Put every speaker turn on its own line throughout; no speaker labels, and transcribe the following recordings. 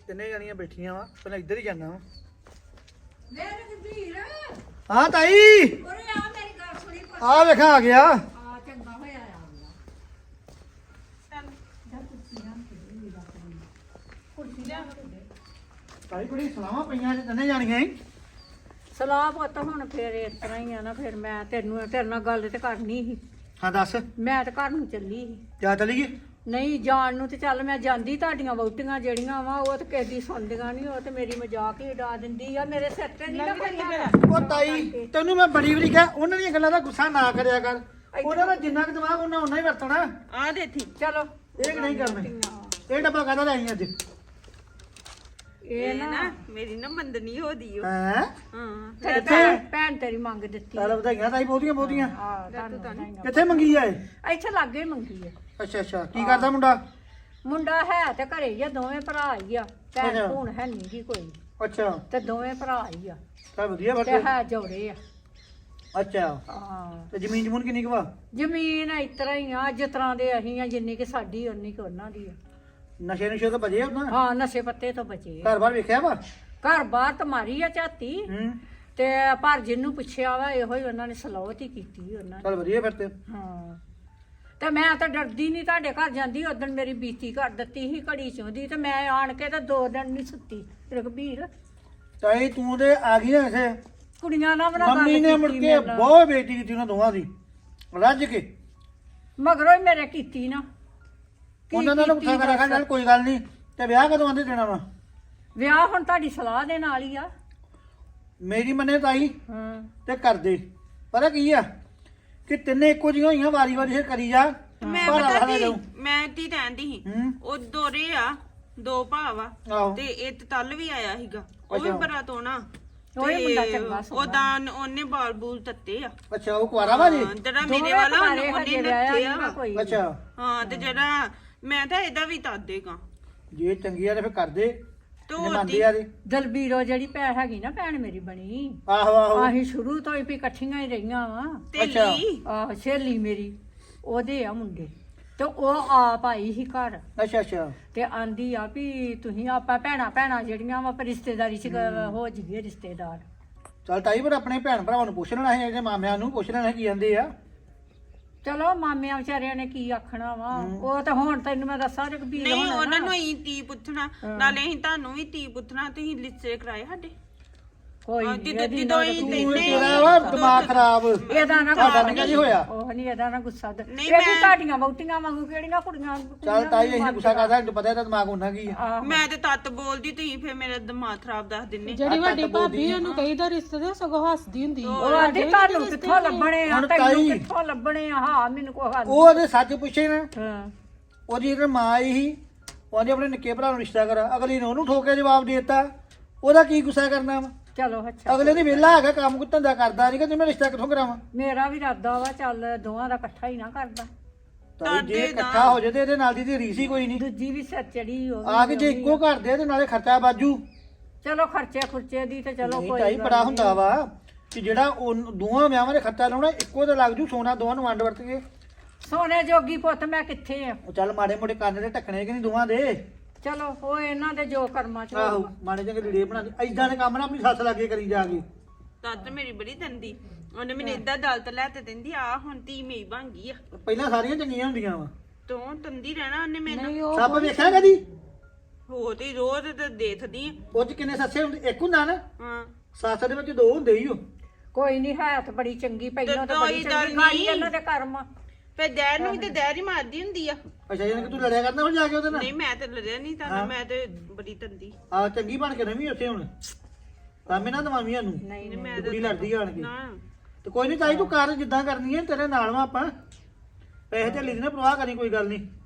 ਤਿੰਨੇ ਜਾਣੀਆਂ ਬੈਠੀਆਂ ਵਾ ਪਹਿਲਾਂ ਇੱਧਰ ਹੀ ਜਾਣਾ ਵਾ
ਵੇ ਰਘਬੀਰ
ਹਾਂ ਤਾਈ
ਉਰੇ ਆ ਮੇਰੀ ਗੱਲ ਸੁਣੀ
ਆ ਵੇਖਾਂ ਆ ਗਿਆ
ਆ ਚੰਗਾ ਹੋਇਆ ਆ ਗਿਆ ਚੱਲ ਜਾ ਕੁਰਸੀ ਆਂ ਕੁਰਸੀ ਲਿਆ
ਤਾਈ ਕੁੜੀ ਸਲਾਮਾਂ ਪਈਆਂ ਜੇ ਤਿੰਨੇ ਜਾਣੀਆਂ ਹੀ
ਸਲਾਹ ਪੁੱਤ ਹੁਣ ਫੇਰ ਇਸ ਤਰ੍ਹਾਂ ਹੀ ਆ ਨਾ ਫਿਰ ਮੈਂ ਤੇਰੇ ਨਾਲ ਗੱਲ ਤੇ ਕਰਨੀ ਸੀ
ਹਾਂ ਦੱਸ
ਮੈਂ ਤਾਂ ਘਰ ਨੂੰ ਚੱਲੀ ਸੀ
ਕਿਆ ਚਲੀ ਗਈ
ਨਹੀਂ ਜਾਣ ਨੂੰ ਤੇ ਚੱਲ ਮੈਂ ਜਾਂਦੀ ਤੁਹਾਡੀਆਂ ਵਹੁਟੀਆਂ ਜਿਹੜੀਆਂ ਵਾ ਉਹ ਤੇ ਕਿਸੇ ਦੀ ਸੁਣਦੀਆਂ ਨਹੀਂ ਉਹ ਤੇ ਮੇਰੀ ਮਜ਼ਾਕ ਹੀ ਉਡਾ ਦਿੰਦੀ ਆ ਮੇਰੇ ਸਿਰ ਤੇ ਨਹੀਂ ਨਾ ਕੋਈ ਹੈਗਾ।
ਉਹ ਤਾਈ ਤੈਨੂੰ ਮੈਂ ਬੜੀ ਵਾਰੀ ਕਿਹਾ ਉਹਨਾਂ ਦੀਆਂ ਗੱਲਾਂ ਦਾ ਗੁੱਸਾ ਨਾ ਕਰਿਆ ਕਰ ਉਹਨਾਂ ਦਾ ਜਿੰਨਾ ਕੁ ਦਿਮਾਗ ਉਹਨਾਂ ਉਨਾ ਹੀ ਵਰਤਣਾ
ਆ ਦੇ ਥੀ ਚਲੋ
ਇਹ ਨਹੀਂ ਕਰਨੇ ਇਹ ਡੱਬਾ ਕਾਹਦਾ ਲੈ ਆਈ ਅੱਜ
ਇਹ ਨਾ
ਮੇਰੀ ਨਾ ਮੰਦਨੀ ਹੋਦੀ ਓ
ਹੈ
ਹਾਂ
ਤੇਰੀ ਭੈਣ ਤੇਰੀ ਮੰਗ ਦਿੱਤੀ
ਚੱਲ ਵਧਾਈਆਂ ਤਾਈ ਬਹੁਤੀਆਂ ਬਹੁਤੀਆਂ
ਆ ਤੁਹਾਨੂੰ ਵਧਾਈਆਂ।
ਕਿੱਥੇ ਮੰਗੀ ਆ ਇਹ
ਇੱਥੇ ਲਾਗੇ ਹੀ ਮੰਗੀ ਆ
ਅੱਛਾ ਅੱਛਾ ਕੀ ਕਰਦਾ ਮੁੰਡਾ
ਮੁੰਡਾ ਹੈ ਤੇ ਘਰੇ ਹੀ ਆ ਦੋਵੇਂ ਭਰਾ ਹੀ ਆ ਭੈਣ
ਅੱਛਾ।
ਭੂਣ ਹੈ ਨਹੀਂ ਜੀ ਕੋਈ
ਅੱਛਾ
ਤੇ ਦੋਵੇਂ ਭਰਾ ਹੀ ਆ
ਤਾਂ ਵਧੀਆ
ਤੇ
ਫਿਰ
ਹੈ ਜੋੜੇ ਆ
ਅੱਛਾ
ਹਾਂ
ਤੇ ਜ਼ਮੀਨ ਜਮੂਨ ਕਿੰਨੀ ਕੁ ਵਾ
ਜ਼ਮੀਨ ਇਸ ਤਰ੍ਹਾਂ ਹੀ ਆ ਜਿਸ ਤਰ੍ਹਾਂ ਦੇ ਅਸੀਂ ਆ ਜਿੰਨੀ ਕਿ ਸਾਡੀ ਉਨੀ ਕਿ ਉਹਨਾਂ ਦੀ ਆ
ਨਸ਼ੇ ਨੁਸ਼ੇ ਤੋਂ ਬਜੇ ਉਹਨਾਂ
ਹਾਂ ਨਸ਼ੇ ਪੱਤੇ ਤੋਂ ਬਚੇ
ਘਰ ਬਾਰ ਵੇਖਿਆ ਵਾ
ਘਰ ਬਾਹਰ ਤਾਂ ਮਾਰੀ ਆ ਝਾਤੀ
ਹੂੰ
ਤੇ ਪਰ ਜਿਹਨੂੰ ਪੁੱਛਿਆ ਵਾ ਇਹੋ ਹੀ ਉਹਨਾਂ ਨੇ ਸਲਾਹਤ ਹੀ ਕੀਤੀ ਉਹਨਾਂ ਨੇ
ਚੱਲ ਵਧੀਆ ਫਿਰ ਤੇ
ਹਾਂ ਤੇ ਮੈਂ ਤਾਂ ਡਰਦੀ ਨਹੀਂ ਤੁਹਾਡੇ ਘਰ ਜਾਂਦੀ ਉਦੋਂ ਮੇਰੀ ਬੀਤੀ ਕਰ ਦਿੱਤੀ ਸੀ ਘੜੀ ਚੋਂਦੀ ਤੇ ਮੈਂ ਆਣ ਕੇ ਤਾਂ 2 ਦਿਨ ਨਹੀਂ ਸੁੱਤੀ ਰਘਬੀਰ
ਤਾਈ ਤੂੰ ਤੇ ਆ ਗਈ ਨਾ ਇਸੇ
ਕੁੜੀਆਂ ਨਾਲ ਬਣਾ
ਮੰਮੀ ਨੇ ਮੁੜ ਕੇ ਬਹੁਤ ਬੇਇੱਜ਼ਤੀ ਕੀਤੀ ਉਹਨਾਂ ਦੋਵਾਂ ਦੀ ਰੱਜ ਕੇ
ਮਗਰੋਂ ਹੀ ਮੇਰੇ ਕੀਤੀ ਨਾ ਕੀ
ਉਹਨਾਂ ਨਾਲ
ਕੀਤੀ
ਉੱਠਾ ਕਰ ਰੱਖਣ ਨਾਲ ਕੋਈ ਗੱਲ ਨਹੀਂ ਤੇ ਵਿਆਹ ਕਦੋਂ ਆਂਦੇ ਦੇਣਾ ਵਾ
ਵਿਆਹ ਹੁਣ ਤੁਹਾਡੀ ਸਲਾਹ ਦੇ ਨਾਲ ਹੀ ਆ
ਮੇਰੀ ਮੰਨੇ ਤਾਈ
ਹਾਂ
ਤੇ ਕਰਦੇ ਪਤਾ ਕੀ ਆ ਕਿ ਤਿੰਨੇ ਇੱਕੋ ਜਿਹੀਆਂ ਹੋਈਆਂ ਵਾਰੀ ਵਾਰੀ ਫਿਰ ਕਰੀ ਜਾ
ਮੈਂ
ਭਾਰਾ
ਪਤਾ
ਵਾਲਾ
ਕੀ
ਜਾਊ।
ਮੈਂ ਤੀ ਰਹਿੰਦੀ ਸੀ
ਹੂੰ
ਉਹ ਦੋਰੇ ਆ 2 ਭਾਵਾ
ਆਹੋ
ਤੇ ਇਹ ਤਲ ਵੀ ਆਇਆ ਸੀਗਾ ਉਹ ਵੀ
ਅੱਛਾ।
ਬੜਾ ਤੋਣਾ
ਉਹ ਹੀ ਮੁੰਡਾ ਚੰਗਾ ਸੋਹਣਾ।
ਉਹਦਾ ਉਹਨੇ ਬਾਲ ਬੂਲ ਤੱਤੇ ਆ
ਅੱਛਾ ਉਹ ਕੁਆਰਾ ਵਾ ਜੀ
ਹਾਂ, ਜਿਹੜਾ
ਦੋਵੇਂ
ਮੇਰੇ ਵਾਲਾ
ਘਰੇ
ਉਹਨੇ
ਹਜੇ ਵਿਆਹਿਆ
ਨੱਥੇ
ਨੀ ਨਾ
ਆ
ਕੋਈ।
ਅੱਛਾ
ਹਾਂ ਤੇ ਜਿਹੜਾ ਮੈਂ ਤਾਂ ਇਹਦਾ ਵੀ ਤਦ ਦੇਗਾ
ਜੇ ਚੰਗੀ ਆ ਤੇ ਫਿਰ ਕਰਦੇ
ਤੇ
ਜੇ
ਉਹ
ਮੰਨਦੇ ਆ ਤੇ
ਦਲਬੀਰੋ ਜਿਹੜੀ ਭੈਣ ਹੈਗੀ ਨਾ ਭੈਣ ਮੇਰੀ ਬਣੀ
ਆਹੋ ਆਹੋ
ਅਸੀਂ ਸ਼ੁਰੂ ਤੋਂ ਹੀ ਵੀ ਇਕੱਠੀਆਂ ਹੀ ਰਹੀਆਂ ਵਾ
ਅੱਛਾ।
ਤੇਲੀ
ਆਹ ਸਹੇਲੀ ਮੇਰੀ ਉਹਦੇ ਆ ਮੁੰਡੇ ਤੇ ਉਹ ਆਪ ਆਈ ਸੀ ਘਰ
ਅੱਛਾ ਅੱਛਾ
ਤੇ ਆਂਦੀ ਆ ਵੀ ਤੁਸੀਂ ਆਪਾਂ ਭੈਣਾਂ ਜਿਹੜੀਆਂ ਵਾ ਪਰ ਰਿਸ਼ਤੇਦਾਰੀ ਚ ਹੋ ਜੀਏ ਰਿਸ਼ਤੇਦਾਰ
ਚੱਲ ਤਾਈ ਪਰ ਆਪਣੇ ਭੈਣ ਭਰਾਵਾਂ ਨੂੰ ਪੁੱਛ ਲੈਣਾ ਹੈ ਇਹਦੇ ਮਾਮਿਆਂ ਨੂੰ ਪੁੱਛ ਲੈਣਾ ਕੀ ਜਾਂਦੇ ਆ
ਚਲੋ ਮਾਮਿਆਂ ਵਿਚਾਰਿਆਂ ਨੇ ਕੀ ਆਖਣਾ ਵਾ ਉਹ ਤਾਂ ਹੁਣ ਤੈਨੂੰ ਮੈਂ ਦੱਸਾਂ ਰਘਬੀਰ
ਨਹੀਂ
ਹੋਣਾ
ਉਹਨਾਂ
ਨਾ।
ਨੂੰ ਹੀ ਤੀ ਪੁੱਛਣਾ ਨਾਲੇ ਅਸੀਂ ਤੁਹਾਨੂੰ ਵੀ ਤੀ ਪੁੱਛਣਾ ਤੁਸੀਂ ਲਿੱਸੇ ਕਰਾਏ ਸਾਡੇ
ਕੋਈ
ਹਾਂ,
ਨੀ,
ਜਦੋਂ-
ਇਹਦੀ
ਜਦੋਂ
ਨਾ
ਹੀ
ਤੂੰ
ਨਹੀਂ,
ਤੇਰਾ ਵਾ ਦਿਮਾਗ ਖਰਾਬ
ਇਹਦਾ ਨਾ
ਤੁਹਾਡਾ
ਗੁੱਸਾ
ਨਹੀਂ ਹੋਇਆ
ਉਹ ਨਹੀਂ ਇਹਦਾ ਨਾ ਗੁੱਸਾ
ਨਹੀਂ,
ਇਹ ਵੀ
ਮੈਂ-
ਤੁਹਾਡੀਆਂ ਵਹੁਟੀਆਂ ਵਾਂਗੂ ਕਿਹੜੀਆਂ ਕੁੜੀਆਂ
ਚੱਲ ਤਾਈ ਅਸੀਂ ਗੁੱਸਾ ਕਰਦਾ ਤੈਨੂੰ ਪਤਾ ਇਹਦਾ ਦਿਮਾਗ ਹੁੰਦਾ ਕੀ ਆ
ਆਹੋ।
ਮੈਂ ਤੇ ਤੱਤ ਬੋਲਦੀ ਤੁਸੀਂ ਫੇਰ ਮੇਰਾ ਦਿਮਾਗ ਖਰਾਬ ਦੱਸ ਦਿੰਨੇ
ਜਿਹੜੀ ਵੱਡੀ ਭਾਬੀ ਉਹਨੂੰ ਕਹੀਦਾ ਰਿਸ਼ਤੇ ਦਾ ਸਗੋਂ ਹੱਸਦੀ ਹੁੰਦੀ
ਉਹ ਆਂਦੀ ਤੁਹਾਨੂੰ ਕਿੱਥੋਂ ਲੱਭਣੇ ਆ
ਹੁਣ
ਤੈਨੂੰ
ਤਾਈ-
ਕਿੱਥੋਂ ਲੱਭਣੇ ਆ ਹਾਂ ਮੈਨੂੰ ਕੋਈ ਹੱਲ
ਉਹ ਉਹਦੇ ਸੱਚ ਪੁੱਛੇ ਨਾ
ਹਾਂ
ਉਹਦੀ ਜਿਹੜੀ ਮਾਂ ਆਈ ਸੀ ਉਹਨੇ ਆਪਣੇ ਨਿੱਕੇ ਭਰਾ ਨੂੰ ਰਿਸ਼ਤਾ ਕਰਾ ਅਗਲੀ ਨੇ ਉਹਨੂੰ ਠੋਕ ਕੇ ਜਵਾਬ ਦੇ ਦਿੱਤਾ ਉਹਦਾ ਕੀ ਗੁੱਸਾ ਕਰਨਾ ਵਾ
ਚਲੋ ਅੱਛਾ
ਅਗਲੇ ਦੀ ਵਿਹਲਾ ਹੈਗਾ ਕੰਮ ਕੋ ਧੰਦਾ ਕਰਦਾ ਨਹੀਂ ਕਿ ਮੈਂ ਰਿਸ਼ਤਾ ਕਿੱਥੋਂ ਕਰਾਵਾਂ
ਮੇਰਾ ਵੀ ਇਰਾਦਾ ਵਾ ਚੱਲ ਦੋਵਾਂ ਦਾ ਇਕੱਠਾ ਹੀ ਨਾ ਕਰਦਾ
ਤਾਂ ਜੇ ਇਕੱਠਾ ਹੋ ਜਾਏ ਤੇ ਇਹਦੇ ਨਾਲ ਦੀ ਤੇ ਰੀਸ ਹੀ ਕੋਈ ਨਹੀਂ
ਦੂਜੀ ਵੀ ਸਿਰ ਚੜੀ ਹੋ
ਆ ਕੇ ਜੇ ਇੱਕੋ ਘਰ ਦੇ ਤੇ ਨਾਲੇ ਖਰਚਾ ਬਾਜੂ
ਚਲੋ ਖਰਚੇ ਖੁਰਚੇ ਦੀ ਤੇ ਚਲੋ
ਨਹੀਂ
ਕੋਈ
ਤਾਈ
ਗੱਲ
ਬੜਾ
ਨੀ।
ਹੁੰਦਾ ਵਾ ਕਿ ਜਿਹੜਾ ਉਹ ਦੋਵਾਂ ਵਿਆਹਾਂ ਦੇ ਖਰਚਾ ਲਾਉਣਾ ਇੱਕੋ ਤੇ ਲੱਗ ਜੂ ਸੋਨਾ ਦੋਵਾਂ ਨੂੰ ਵੰਡ ਵਰਤ ਕੇ
ਸੋਨੇ ਜੋਗੀ ਪੁੱਤ ਮੈਂ ਕਿੱਥੇ ਆ
ਉਹ ਚੱਲ ਮਾੜੇ ਮੋਟੇ ਕੰਨ ਦੇ ਢੱਕਣੇ ਕਿ ਨਹੀਂ ਦੋਵਾਂ ਦੇ
ਚਲੋ ਉਹ ਇਹਨਾਂ ਦੇ ਜੋ ਕਰਮਾਂ ਚ
ਆਹੋ
ਹੋਊਗਾ।
ਮਾੜੇ ਚੰਗੇ ਲੀੜੇ ਬਣਾ ਦੇ ਐਦਾਂ ਦੇ ਕੰਮ ਨਾ ਆਪਣੀ ਸੱਸ ਲਾਗੇ ਕਰੀ ਜਾ ਕੇ
ਤੱਤ ਮੇਰੀ ਬੜੀ ਦੰਦੀ ਉਹਨੇ ਮੈਨੂੰ ਇਦਾਂ ਦਲਤ ਲੈ ਤੇ ਦਿੰਦੀ ਆ ਹੁਣ ਤੀ ਮੇਈ ਬਣ ਗਈ ਆ
ਪਹਿਲਾਂ ਸਾਰੀਆਂ ਚੰਗੀਆਂ ਹੁੰਦੀਆਂ ਵਾ
ਤੂੰ ਤੰਦੀ ਰਹਿਣਾ ਉਹਨੇ ਮੈਨੂੰ
ਨਹੀਂ ਉਹ
ਸੱਪ ਵੇਖਿਆ ਕਦੀ
ਹੋ ਤੇ ਰੋਜ਼ ਤੇ ਦੇਖਦੀ ਆ
ਉਹ ਚ ਕਿੰਨੇ ਸੱਸੇ ਹੁੰਦੇ ਇੱਕ ਹੁੰਦਾ ਨਾ
ਹਾਂ
ਸੱਸ ਦੇ ਵਿੱਚ ਦੋ ਹੁੰਦੇ ਹੀ ਉਹ
ਕੋਈ ਨਹੀਂ ਹੈ ਤਾਂ ਬੜੀ ਚੰਗੀ ਪਹਿਲਾਂ ਤਾਂ
ਕੋਈ
ਬੜੀ
ਗੱਲ
ਚੰਗੀ ਗਾੜੀ
ਨੀ।
ਇਹਨਾਂ ਦੇ ਕਰਮ ਆ।
ਫੇਰ ਦੈਰ ਨੂੰ ਵੀ ਤੇ ਦੈਰ ਹੀ ਮਾਰਦੀ ਹੁੰਦੀ ਆ
ਅੱਛਾ ਯਾਨੀ ਕਿ ਤੂੰ ਲੜਿਆ ਕਰਦਾ ਹੁਣ ਜਾ ਕੇ ਉਹਦੇ ਨਾਲ
ਨਹੀਂ ਮੈਂ ਤੇ ਲੜਿਆ ਨਹੀਂ ਤਾਂ ਮੈਂ ਤੇ ਬੜੀ ਤੰਦੀ
ਆ ਚੰਗੀ ਬਣ ਕੇ ਰਵੀਂ ਉੱਥੇ ਹੁਣ ਕਾਮੇ ਨਾ ਦਵਾਵੀਆਂ ਨੂੰ
ਨਹੀਂ
ਨਹੀਂ ਮੈਂ
ਤੇ ਕੁੜੀ ਲੜਦੀ ਆਣ ਕੇ
ਨਾ
ਤੇ ਕੋਈ ਨਹੀਂ ਤਾਈ ਤੂੰ ਕਰ ਜਿੱਦਾਂ ਕਰਨੀ ਹੈ ਤੇਰੇ ਨਾਲ ਵਾ ਆਪਾਂ ਪੈਸੇ ਤੇ ਲਿਖਣੇ ਪਰਵਾਹ ਕਰੀ ਕੋਈ ਗੱਲ ਨਹੀਂ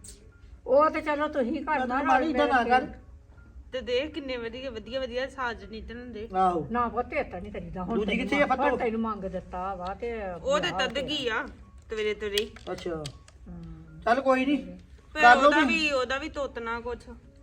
ਉਹ ਤੇ ਚਲੋ ਤੁਸੀਂ ਕਰਨਾ
ਮਾੜੀ ਇਦਾਂ ਨਾ ਕਰ
ਤੇ ਦੇਖ ਕਿੰਨੇ ਵਧੀਆ ਵਧੀਆ ਵਧੀਆ ਸਾਜ ਨਿਤਨਦੇ
ਆਹੋ
ਨਾ ਪੁੱਤੇ ਤਾਂ ਨਹੀਂ ਕਰੀਦਾ ਹੁਣ
ਦੂਜੀ
ਤੈਨੂੰ
ਕਿੱਥੇ ਆ ਫਤੋ?
ਹੁਣ ਤੈਨੂੰ ਮੰਗ ਦਿੱਤਾ ਵਾ ਤੇ
ਉਹ ਤੇ ਤਦਗੀ ਆ ਤਵੇਰੇ ਤਵੇਰੇ
ਅੱਛਾ
ਹਮ।
ਚੱਲ ਕੋਈ ਨਹੀਂ
ਫਿਰ
ਕਰ ਲਓ
ਉਹਦਾ ਵੀ ਤੋਤਨਾ ਕੁਛ